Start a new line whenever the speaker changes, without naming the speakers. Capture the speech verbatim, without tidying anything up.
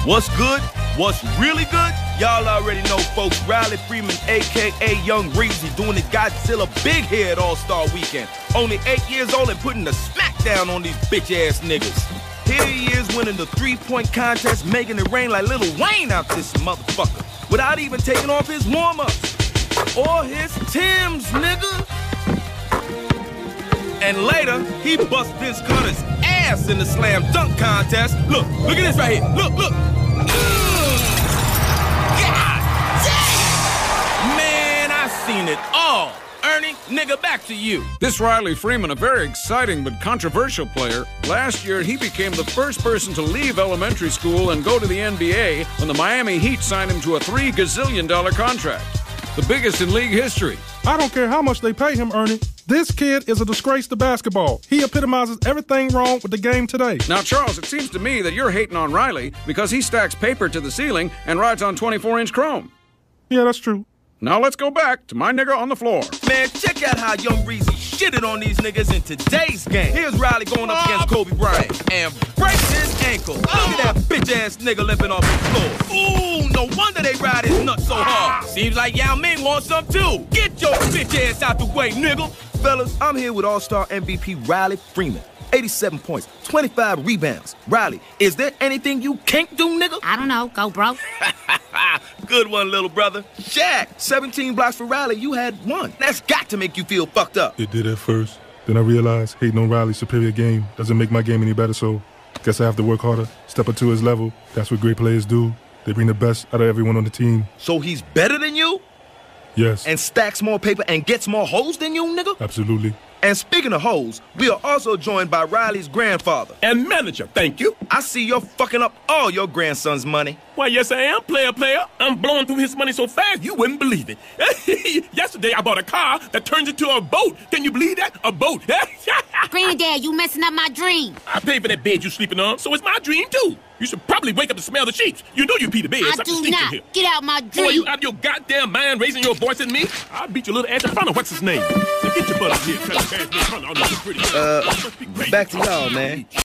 What's good? What's really good? Y'all already know, folks. Riley Freeman, a k a. Young Reezy, doing the Godzilla Big Head All-Star Weekend. Only eight years old and putting the smackdown on these bitch-ass niggas. Here he is winning the three-point contest, making it rain like Lil Wayne out this motherfucker, without even taking off his warm-ups. Or his Timbs, nigga. And later, he bust Vince Carter's ass in the slam dunk contest. Look, look at this right here. Look, look. God damn! Man, I seen it all. Ernie, nigga, back to you.
This Riley Freeman, a very exciting but controversial player. Last year, he became the first person to leave elementary school and go to the N B A when the Miami Heat signed him to a three gazillion dollar contract. The biggest in league history.
I don't care how much they pay him, Ernie. This kid is a disgrace to basketball. He epitomizes everything wrong with the game today.
Now, Charles, it seems to me that you're hating on Riley because he stacks paper to the ceiling and rides on twenty-four inch chrome.
Yeah, that's true.
Now let's go back to my nigga on the floor.
Man, check out how Young Reezy shitted on these niggas in today's game. Here's Riley going up against Kobe Bryant and breaks his ankle. Look at that bitch-ass nigga limping off the floor. Ooh, no wonder they ride his nuts so hard. Seems like Yao Ming wants some too. Get your bitch ass out the way, nigga. Fellas, I'm here with All-Star M V P Riley Freeman. eighty-seven points, twenty-five rebounds. Riley, is there anything you can't do, nigga?
I don't know. Go, bro.
Good one, little brother. Shaq, seventeen blocks for Riley. You had one. That's got to make you feel fucked up.
It did at first. Then I realized hating on Riley's superior game doesn't make my game any better, so guess I have to work harder, step up to his level. That's what great players do. They bring the best out of everyone on the team.
So he's better than you?
Yes.
And stacks more paper and gets more hoes than you, nigga?
Absolutely.
And speaking of hoes, we are also joined by Riley's grandfather.
And manager, thank you.
I see you're fucking up all your grandson's money.
Why, yes, I am, player, player. I'm blowing through his money so fast, you wouldn't believe it. Yesterday, I bought a car that turns into a boat. Can you believe that? A boat.
Granddad, you messing up my dream.
I paid for that bed you sleeping on, so it's my dream, too. You should probably wake up to smell the sheets. You know you pee the bed.
I do not. Get out my dream.
Boy, you out of your goddamn mind raising your voice at me? I'll beat your little ass in front of what's his name. Now get your butt up here.
Uh, back to y'all, man.